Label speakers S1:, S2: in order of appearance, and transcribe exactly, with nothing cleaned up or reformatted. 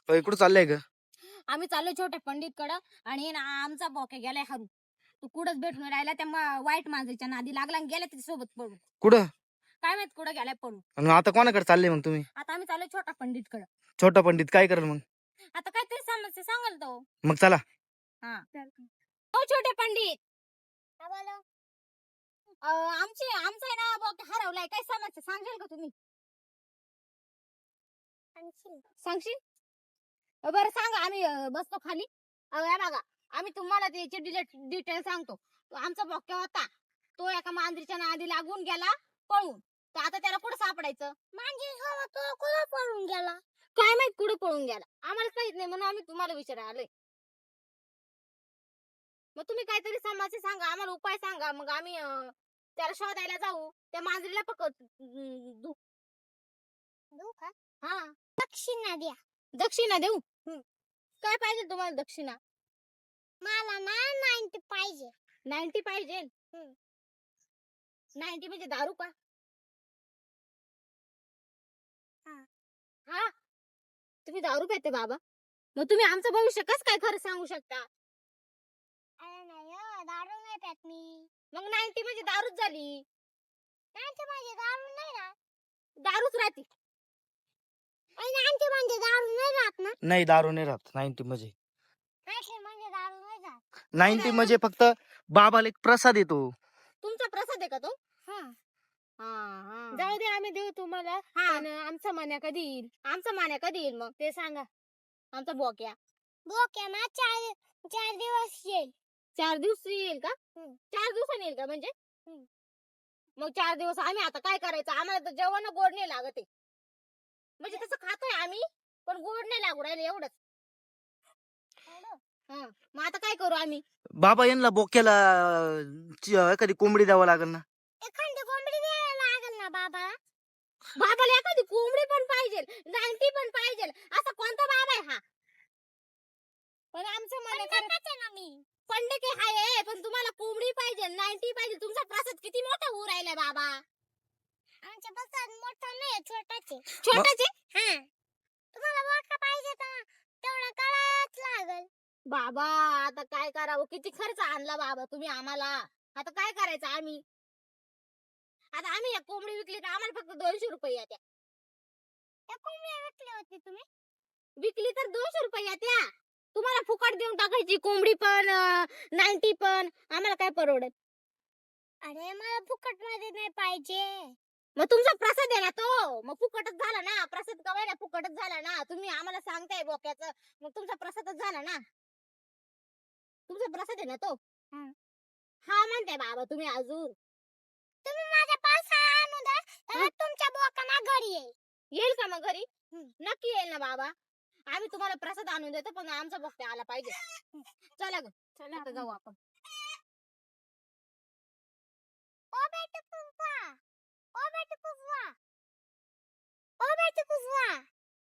S1: अय, कुठं चाललंय ग?
S2: आम्ही चाललो छोट्या पंडित कडे आणि ना आमचा बोके गेलाय हरू. तू कुठंच भेटून राहिला त्या मा- वाईट माणसाच्या नादी लागला आणि गेला त्याच्या सोबत पडून.
S1: कुठं?
S2: काय माहित कुठं गेलाय पडून.
S1: आणि आता कोणाकडे चालले मग तुम्ही?
S2: आता आम्ही चाललो छोटा पंडित कडे.
S1: छोटा पंडित काय करेल मग?
S2: आता काहीतरी समस्या सांगाल तो.
S1: मग चला.
S2: हा हो छोटे पंडित. काय बोला? अं, आमची आमचा आहे ना बोके हरवलाय, काय समस्या सांगाल का तुम्ही? सांगशील? अं, बरं सांगा, आम्ही अं, बसतो खाली. अं, हे बघा, आम्ही तुम्हाला त्याची डिटेल सांगतो. तो आमचा बोक्या होता, तो एका मांजरीच्या नादी लागून गेला पळून. तर आता त्याला कुठं सापडायचं? मांजरी तो कुठं पळून गेला? काय माहित कुठं पळून गेला, आम्हाला काहीच नाही, म्हणून आम्ही तुम्हाला विचारायला आलोय. मग तुम्ही काहीतरी समस्या सांगा, आम्हाला उपाय सांगा, मग आम्ही अं, त्याला शोधायला जाऊ, त्या मांजरीला पकड देऊ. देऊ का? हा, दक्षिणा द्या. दक्षिणा देऊ? काय पाहिजे तुम्हाला दक्षिणा? मला ना नाईन्टी पाहिजे. नाईन्टी पाहिजे? नाईन्टी म्हणजे दारू का? हा, तुम्ही दारू पिते बाबा? मग तुम्ही आमचं भविष्य कसं काय खरं सांगू शकता? अरे नाही हो, दारू नाही पित मी. मग नाईन्टी म्हणजे दारूच झाली. नाईन्टी म्हणजे दारू नाही ना? दारूच राहते. नाईन्टी म्हणजे दारू नाही राहत ना?
S1: नाही, दारू नाही राहत नाईन्टी म्हणजे.
S2: नाईन्टी म्हणजे दारू नाही राहत.
S1: नाईन्टी म्हणजे फक्त बाबाला एक प्रसाद येतो.
S2: तुमचा प्रसाद आहे का तो? हा. जाऊ दे, आम्ही देऊ तुम्हाला. पण आमचा मान्या कधी येईल? आमचा मान्या कधी येईल मग ते सांगा. आमचा बोक्या बोक्या ना चार चार दिवस येईल. चार दिवस येईल का? चार दिवसांनी येईल का म्हणजे? मग चार दिवस आम्ही आता काय करायचं? आम्हाला तर जेवण गोड नाही लागत आहे. म्हणजे तसं खातोय आम्ही, पण गोड नाही लागू राहिले एवढंच. हा, मग आता काय करू आम्ही?
S1: बाबा यांना बोक्याला ची- एखादी कोंबडी द्यावं लागेल ना.
S2: एखादी कोंबडी द्यायला लागेल ना बाबा. बाबाला एखादी कोंबडी पण पाहिजे, नाईन्टी पण पाहिजे. असा कोणता बाबा आहे हा? पण आमचं मन खरंच ना मी. पंडित आहे, पण तुम्हाला कोंबडी पाहिजे, नाईन्टी पाहिजे. तुमचा प्रसाद किती मोठा होऊ राहिलाय बाबा? आमचा प्रसाद मोठा नाही, छोटाचे. छोटाचे? हा. तुम्हाला मोठा पाहिजे तर तेवढा करावंच लागेल. बाबा आता काय करावं? किती खर्च आणला बाबा तुम्ही आम्हाला. आता काय करायचं आम्ही? आता आम्ही एक कोंबडी विकली तर आम्हाला फक्त दोनशे रुपये येत्या. एक कोंबडी विकली होती तुम्ही? विकली तर दोनशे रुपये येत्या. तुम्हाला फुकट देऊन टाकायची कोंबडी पण नाईन्टी पण, आम्हाला काय परवडत? अरे मला फुकट मध्ये नाही पाहिजे. मग तुमचा प्रसाद आहे ना तो, मग फुकटच झाला ना. प्रसाद कवाय ना फुकटच झाला ना. तुम्ही आम्हाला सांगताय बोक्याचं, मग तुमचा प्रसादच झाला ना. तुमचा प्रसाद आहे ना तो. हा म्हणताय बाबा तुम्ही अजून. तुम्ही माझ्या पावसाळा आणू द्या, तर तुमच्या बोकांना घरी येईल. येईल का मग घरी? नक्की येईल ना बाबा. आम्ही तुम्हाला प्रसाद आणून देतो, पण आमचा बोक्या आला पाहिजे. चला ग, चला आता जाऊ आपण. ओ बेटा पुष्पा, ओ बेटा पुष्पा, ओ बेटा पुष्पा.